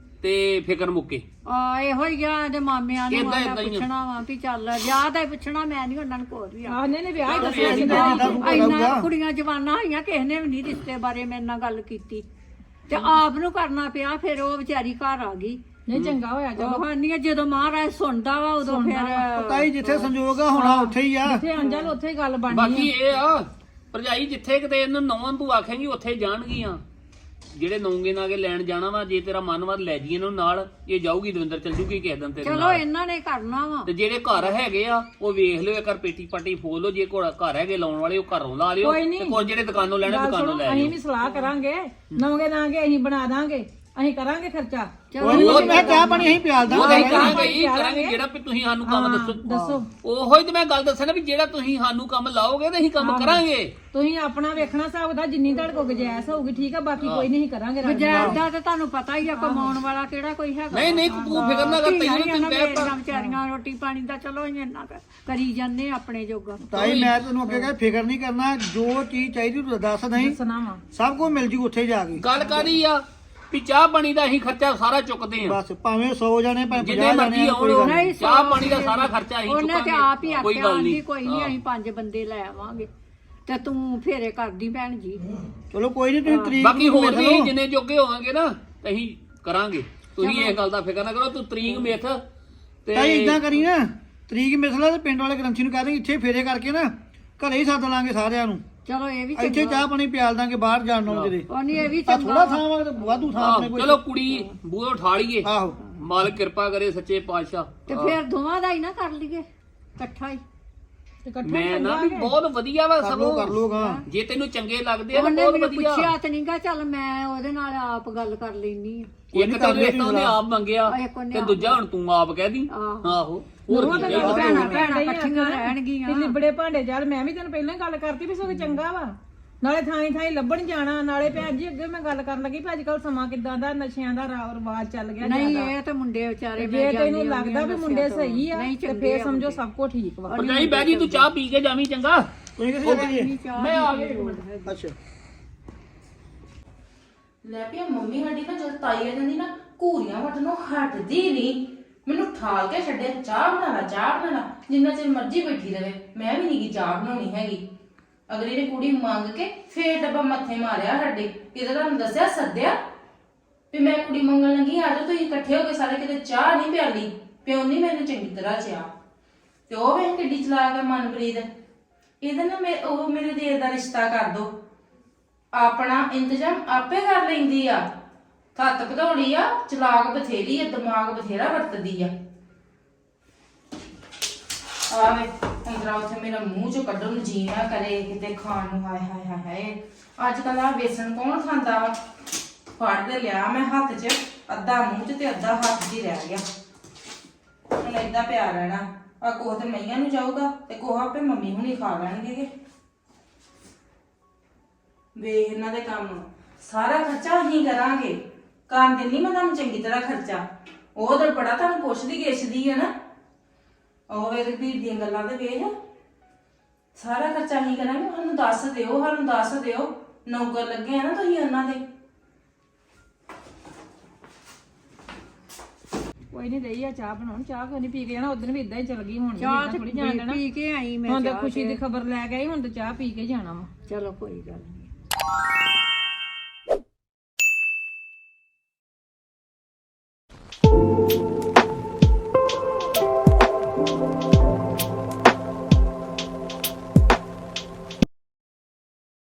ਤੇ ਫਿਕਰ ਮੁੱਕੇ।
ਇਹੋ ਹੀ ਆ ਦੇ ਮਾਮਿਆਂ ਨੂੰ
ਏਦਾਂ
ਆਇਆ
ਏਦਾਂ ਹੀ ਆ।
ਪੁੱਛਣਾ ਵਾ ਵੀ ਚੱਲ ਵਿਆਹ ਦਾ ਹੀ ਪੁੱਛਣਾ, ਮੈਂ ਨਹੀਂ ਉਹਨਾਂ ਨੂੰ ਕੋਈ ਵੀ ਆ।
ਆਹ ਨਹੀਂ ਵਿਆਹ ਹੀ ਦੱਸਿਆ
ਇਹ
ਸੀ
ਵੀ
ਮੈਂ।
ਇੰਨਾ ਕੁੜੀਆਂ ਜਵਾਨਾਂ ਹੋਈਆਂ, ਕਿਸੇ ਨੇ ਵੀ ਨਹੀਂ ਰਿਸ਼ਤੇ ਬਾਰੇ ਮੇਰੇ ਨਾਲ ਗੱਲ ਕੀਤੀ ਤੇ ਆਪ ਨੂੰ ਕਰਨਾ ਪਿਆ। ਫਿਰ ਉਹ ਵਿਚਾਰੀ ਘਰ ਆ ਗਈ।
ਨਹੀਂ ਚੰਗਾ ਹੋਇਆ ਚਲੋ।
ਉਹ ਨਹੀਂ, ਜਦੋਂ ਮਹਾਰਾਜ ਸੁਣਦਾ ਵਾ ਉਦੋਂ ਫਿਰ
ਤਾਈ ਜਿੱਥੇ ਸੰਜੋਗ ਆ ਹੋਣਾ ਉੱਥੇ ਹੀ ਆ।
ਜਿੱਥੇ ਅੰਜਲ ਉੱਥੇ ਹੀ ਗੱਲ ਬਣਨੀ
ਬਾਕੀ ਇਹ ਆ ਭਰਜਾਈ, ਜਿੱਥੇ ਕਿਤੇ ਇਹਨੂੰ ਨੌਵਾਂ ਤੂੰ ਆਖੇਂਗੀ ਉੱਥੇ ਜਾਣਗੀਆਂ। ਜਿਹੜੇ ਨੌਂਗੇ ਨਾਗੇ ਲੈਣ ਜਾਣਾ ਵਾ, ਜੇ ਤੇਰਾ ਮਨ ਵੱਧ ਲੈ ਜੀ ਇਹਨੂੰ ਨਾਲ, ਇਹ ਜਾਊਗੀ ਦਵਿੰਦਰ ਚੱਲ ਜੂਗੀ ਕਿਸੇ ਦਿਨ ਤੇਰੇ
ਚਲੋ
ਨਾਲ।
ਇਹਨਾਂ ਨੇ ਕਰਨਾ ਵਾ।
ਤੇ ਜਿਹੜੇ ਘਰ ਹੈਗੇ ਆ ਉਹ ਵੇਖ ਲਿਓ, ਇੱਕ ਵਾਰ ਪੇਟੀ ਪਾਟੀ ਫੋਲ ਲਓ। ਜੇ ਕੋਲ ਘਰ ਹੈਗੇ ਲਾਉਣ ਵਾਲੇ ਉਹ ਘਰੋਂ ਲਾ ਲਿਓ,
ਕੋਈ ਨੀ।
ਤੇ ਕੋਈ ਜਿਹੜੇ ਦੁਕਾਨੋਂ ਲੈਣੇ
ਗੱਲ
ਦੁਕਾਨੋਂ
ਸੁਣੋ,
ਲੈ
ਅਸੀਂ
ਲਿਓ।
ਵੀ ਸਲਾਹ ਕਰਾਂਗੇ, ਨੌਂਗੇ ਨਾਂਗੇ ਅਸੀਂ ਬਣਾ ਦਾਂਗੇ, ਅਸੀਂ ਕਰਾਂਗੇ ਖਰਚਾ।
ਉਹ ਮੈਂ ਚਾਹ ਪਾਣੀ ਅਸੀਂ ਪਿਆਲ
ਉਹ ਅਸੀਂ
ਦਾਂਗੇ।
ਕਰਾਂਗੇ ਹੀ ਕਰਾਂਗੇ, ਜਿਹੜਾ ਵੀ ਤੁਸੀਂ ਸਾਨੂੰ ਕੰਮ
ਦੱਸੋ
ਉਹੋ ਹੀ ਤੇ ਮੈਂ ਗੱਲ ਦੱਸਾਂ ਨਾ ਵੀ ਜਿਹੜਾ ਤੁਸੀਂ ਸਾਨੂੰ ਕੰਮ ਲਾਓਗੇ ਤੇ ਅਸੀਂ ਕੰਮ ਕਰਾਂਗੇ।
ਤੁਸੀਂ ਆਪਣਾ ਵੇਖਣਾ ਹਿਸਾਬ ਦਾ, ਜਿੰਨੀ ਤੁਹਾਡੇ ਕੋਲ ਗੁੰਜਾਇਸ਼ ਹੋਊਗੀ ਠੀਕ ਆ, ਬਾਕੀ ਕੋਈ ਨਹੀਂ ਕਰਾਂਗੇ ਰਲ ਮਿਲ ਕੇ।
ਗੁਜ਼ਾਰ ਦਾ ਤਾਂ ਤੁਹਾਨੂੰ ਪਤਾ ਹੀ ਆ, ਕਮਾਉਣ ਵਾਲਾ ਕਿਹੜਾ ਕੋਈ ਹੈਗਾ।
ਨਹੀਂ ਤੂੰ ਫਿਕਰ ਨਾ ਕਰ, ਤੈਨੂੰ ਤੈਨੂੰ ਕਹਿ
ਮੇਰੀਆਂ ਵਿਚਾਰੀਆਂ ਰੋਟੀ ਪਾਣੀ ਦਾ ਚਲੋ ਅਸੀਂ ਇੰਨਾ ਕਰੀ ਜਾਂਦੇ ਆਪਣੇ ਜੋਗਾ।
ਤਾਈ ਮੈਂ ਤੈਨੂੰ ਅੱਗੇ ਕਹੇ ਫਿਕਰ ਨਹੀਂ ਕਰਨਾ, ਜੋ ਚੀਜ਼ ਚਾਹੀਦੀ ਤੂੰ ਦੱਸ ਨਹੀਂ,
ਸੁਣਾਵਾ
ਸਭ ਕੁਝ ਮਿਲ ਜੂ ਉੱਥੇ ਜਾ ਕੇ।
ਗੱਲ ਕਾਦੀ ਆ ਵੀ ਚਾਹ ਪਾਣੀ ਦਾ ਅਸੀਂ ਖਰਚਾ ਸਾਰਾ ਚੁੱਕਦੇ ਆ।
ਬਸ ਭਾਵੇਂ 100 ਜਾਣੇ ਭਾਵੇਂ
ਜਿੰਨੇ
50
ਮਰਜ਼ੀ
ਜਾਣੇ
ਆਉਣ,
ਕੋਈ ਗੱਲ ਨੀ।
ਨਹੀਂ,
ਚਾਹ ਪਾਣੀ ਦਾ ਸਾਰਾ ਖਰਚਾ ਅਸੀਂ
ਉਹਨੇ ਤੇ ਆਪ ਹੀ
ਚੁੱਕਾਂਗੇ, ਕੋਈ
ਆਖਿਆ
ਗੱਲ
ਆਂਦੀ
ਨਹੀਂ।
ਕੋਈ ਨਹੀਂ, ਅਸੀਂ 5 ਬੰਦੇ ਲੈ ਆਵਾਂਗੇ ਤੇ ਤੂੰ ਫੇਰੇ ਕਰਦੀ ਭੈਣ ਜੀ।
ਚਲੋ ਕੋਈ ਨਹੀਂ, ਤੁਸੀਂ ਤਰੀਕ
ਬਾਕੀ
ਨੂੰ
ਹੋਰ
ਮਿਲ
ਵੀ
ਲਓ।
ਅਸੀਂ ਜਿੰਨੇ ਜੋਗੇ ਹੋਵਾਂਗੇ ਨਾ ਤੇ ਅਸੀਂ ਕਰਾਂਗੇ। ਤੁਸੀਂ ਇਹ ਗੱਲ ਦਾ ਫਿਕਰ ਨਾ ਕਰੋ, ਤੂੰ ਤਰੀਕ ਮਿੱਥ ਤੇ
ਤਾਈ ਇਦਾਂ ਕਰੀ ਨਾ, ਤਰੀਕ ਮਿਸਲਾ ਤੇ ਪਿੰਡ ਵਾਲੇ ਗ੍ਰੰਥੀ ਨੂੰ ਕਹਿ ਦੇਂਗੇ ਇੱਥੇ ਫੇਰੇ ਕਰਕੇ ਨਾ ਘਰੇ ਹੀ ਸੱਦ ਲਾਂਗੇ ਸਾਰਿਆਂ ਨੂੰ।
ਚਲੋ ਇਹ ਵੀ
ਇੱਥੇ ਚਾਹ ਪਾਣੀ ਪਿਆਲ ਦਾਂਗੇ, ਬਾਹਰ ਜਾਣ ਨੂੰ ਜਿਹੜੇ
ਉਹ ਨਹੀਂ, ਇਹ ਵੀ
ਆ
ਚੰਗਾ
ਥੋੜਾ ਥਾਂ ਵਾ ਤੇ ਵਾਧੂ ਥਾਂ ਆਪਣੇ ਕੋਲ।
ਚਲੋ ਕੁੜੀ ਬੂਹੇ ਉਠਾ ਲਈਏ,
ਆਹੋ
ਮਾਲਕ ਕਿਰਪਾ ਕਰੇ ਸੱਚੇ ਪਾਤਸ਼ਾਹ।
ਤੇ ਫਿਰ ਦੋਵਾਂ ਦਾ ਹੀ ਨਾ ਕਰ ਲਈਏ ਇਕੱਠਾ ਹੀ।
ਤੇ ਇਕੱਠਾ
ਮੈਂ ਨਾ ਵੀ ਬਹੁਤ ਵਧੀਆ ਵਾ
ਕਰ ਲੋ
ਸਗੋਂ,
ਗਾ।
ਜੇ ਤੈਨੂੰ ਚੰਗੇ ਲੱਗਦੇ ਆ ਤਾਂ
ਉਹਨੇ
ਬਹੁਤ
ਮੈਨੂੰ
ਵਧੀਆ।
ਪੁੱਛਿਆ ਤੇ ਨਹੀਂਗਾ, ਚੱਲ ਮੈਂ ਉਹਦੇ ਨਾਲ ਆਪ ਗੱਲ ਕਰ ਲੈਣੀ ਆ।
ਇੱਕ ਤਾਂ ਰਿਸ਼ਤਾ ਉਹਨੇ ਆਪ ਮੰਗਿਆ
ਇੱਕ ਉਹਨੇ
ਤੇ ਦੂਜਾ ਹੁਣ ਤੂੰ ਆਪ ਕਹਿ ਦੀ। ਆਹੋ ਹੋਰ ਕੀ ਚਾਹੀਦਾ।
ਭੈਣਾਂ ਭੈਣਾਂ ਇਕੱਠੀਆਂ ਰਹਿਣਗੀਆਂ।
ਤੇ ਲਿਬੜੇ ਭਾਂਡੇ ਚੱਲ, ਮੈਂ ਵੀ ਤੈਨੂੰ ਪਹਿਲਾਂ ਹੀ ਗੱਲ ਕਰਤੀ ਵੀ ਸਗੋਂ ਚੰਗਾ ਵਾ, ਨਾਲੇ ਥਾਈ ਥਾਈ ਲੱਭਣ ਜਾਣਾ। ਨਾਲੇ ਭੈਣ ਜੀ ਅੱਗੇ ਮੈਂ ਗੱਲ ਕਰਨ ਲੱਗੀ ਵੀ ਅੱਜ ਕੱਲ ਸਮਾਂ ਕਿਦਾਂ ਦਾ, ਨਸ਼ਿਆਂ ਦਾ ਰਿਵਾਜ ਚੱਲ ਗਿਆ
ਨਹੀਂ
ਜ਼ਿਆਦਾ।
ਇਹ ਤੇ ਮੁੰਡੇ ਵਿਚਾਰੇ
ਜੇ ਤੈਨੂੰ ਲੱਗਦਾ ਵੀ ਮੁੰਡੇ ਸਹੀ ਆ
ਨਹੀਂ
ਤੇ
ਚੰਗੇ
ਫੇਰ ਸਮਝੋ ਸਭ ਕੁਝ ਠੀਕ ਵਾ।
ਪਰ ਨਹੀਂ ਬਹਿ ਜੀ, ਤੂੰ ਚਾਹ ਪੀ ਕੇ ਜਾਵੀਂ ਚੰਗਾ।
ਤੁਸੀਂ ਕਿੱਥੇ ਜਾਈਏ?
ਮੈਂ ਆ ਗਿਆ।
ਅੱਛਾ
ਲੈ ਪਿਆ ਮੰਮੀ ਸਾਡੀ ਨਾ ਜਦ ਤਾਈ ਆ ਜਾਂਦੀ ਨਾ, ਘੂਰੀਆਂ ਵੱਟਣੋਂ ਹਟਦੀ ਨਹੀਂ। ਮੈਨੂੰ ਠਾਲ ਕੇ ਛੱਡਿਆ, ਚਾਹ ਬਣਾ ਲਾ ਚਾਹ ਬਣਾ ਲਾ, ਜਿੰਨਾ ਚਿਰ ਮਰਜ਼ੀ ਬੈਠੀ ਰਵੇ। ਮੈਂ ਵੀ ਨਹੀਂ ਚਾਹ ਬਣਾਉਣੀ ਹੈਗੀ। ਅਗਲੀ ਨੇ ਕੁੜੀ ਮੰਗ ਕੇ ਫੇਰ ਡੱਬਾ ਮੱਥੇ ਮਾਰਿਆ ਸਾਡੇ। ਇਹਦਾ ਤੁਹਾਨੂੰ ਦੱਸਿਆ ਸੱਦਿਆ ਵੀ ਮੈਂ ਕੁੜੀ ਮੰਗਣ ਲੱਗੀ, ਆ ਜਾਓ ਤੁਸੀਂ ਇਕੱਠੇ ਹੋ ਕੇ ਸਾਰੇ, ਕਿਤੇ ਚਾਹ ਨਹੀਂ ਪਿਆਲੀ, ਪਿਉਣੀ ਮੈਨੂੰ ਚੰਗੀ ਤਰ੍ਹਾਂ ਚਾਹ। ਤੇ ਉਹ ਵੇਖ ਕਿੱਡੀ ਚਲਾਕ ਹੈ ਮਨਪ੍ਰੀਤ। ਇਹਦੇ ਨਾਲ ਉਹ ਮੇਰੇ ਦੇਰ ਦਾ ਰਿਸ਼ਤਾ ਕਰ ਦੋ, ਆਪਣਾ ਇੰਤਜ਼ਾਮ ਆਪੇ ਕਰ ਲੈਂਦੀ ਆ। ਹੱਥ ਭਦੌੜੀ ਆ, ਚਲਾਕ ਬਥੇਰੀ ਆ, ਦਿਮਾਗ ਬਥੇਰਾ ਵਰਤਦੀ ਆ। ਆਵੇ ਅੰਦਰਾਂ ਉੱਥੇ ਮੇਰਾ ਮੂੰਹ ਚੋਂ ਕੱਢਣ ਨੂੰ ਜੀ ਨਾ ਕਰੇ ਕਿਤੇ ਖਾਣ ਨੂੰ। ਹਾਏ ਹਾਏ ਹਾਏ ਹਾਏ, ਅੱਜ ਕੱਲ ਆ ਵੇਸਣ ਕੌਣ ਖਾਂਦਾ ਵਾ। ਫੜ ਦੇ ਲਿਆ ਮੈਂ ਹੱਥ 'ਚ, ਅੱਧਾ ਮੂੰਹ 'ਚ ਤੇ ਅੱਧਾ ਹੱਥ 'ਚ ਹੀ ਰਹਿ ਗਿਆ। ਹੁਣ ਏਦਾਂ ਪਿਆ ਰਹਿਣਾ। ਆ ਕੋਹ ਤੇ ਮਈਆਂ ਨੂੰ ਜਾਊਗਾ ਤੇ ਕੋਹ ਆਪੇ ਮੰਮੀ ਹੁਣੀ ਖਾ ਲੈਣਗੇ। ਵੇਖ ਇਹਨਾਂ ਦੇ ਕੰਮ, ਸਾਰਾ ਖਰਚਾ ਅਸੀਂ ਕਰਾਂਗੇ। ਕਰਨ ਦਿੰਨੀ ਮੈਂ ਤੁਹਾਨੂੰ ਚੰਗੀ ਤਰ੍ਹਾਂ ਖਰਚਾ। ਉਹ ਤਾਂ ਬੜਾ ਤੁਹਾਨੂੰ ਪੁੱਛਦੀ ਗਿੱਛਦੀ ਆ ਨਾ। ਉਹ ਵੇਖ ਵੀਰ ਦੀਆਂ ਗੱਲਾਂ ਤੇ ਵੇਖ, ਸਾਰਾ ਖਰਚਾ ਅਸੀਂ ਕਰਾਂਗੇ। ਸਾਨੂੰ ਦੱਸ ਦਿਓ, ਸਾਨੂੰ ਦੱਸ ਦਿਓ। ਨੌਕਰ ਲੱਗੇ ਆ ਨਾ ਤੁਸੀਂ ਉਹਨਾਂ ਦੇ।
ਕੋਈ ਨਹੀਂ ਰਹੀ ਆ ਚਾਹ ਬਣਾਉਣ, ਚਾਹ ਕੋਈ ਨਹੀਂ ਪੀ ਕੇ ਜਾਣਾ, ਉਦੋਂ ਵੀ ਇਦਾਂ ਹੀ ਚਲ ਗਈ, ਹੁਣ
ਚਾਹ
ਥੋੜੀ ਜਾਣ ਦੇਣਾ।
ਪੀ ਕੇ ਆਈ ਮੈਂ
ਹੁਣ ਤਾਂ ਖੁਸ਼ੀ ਦੀ ਖਬਰ ਲੈ ਕੇ ਆਈ, ਹੁਣ ਤਾਂ ਚਾਹ ਪੀ ਕੇ ਜਾਣਾ ਵਾ।
ਚਲੋ ਕੋਈ ਗੱਲ ਨਹੀਂ।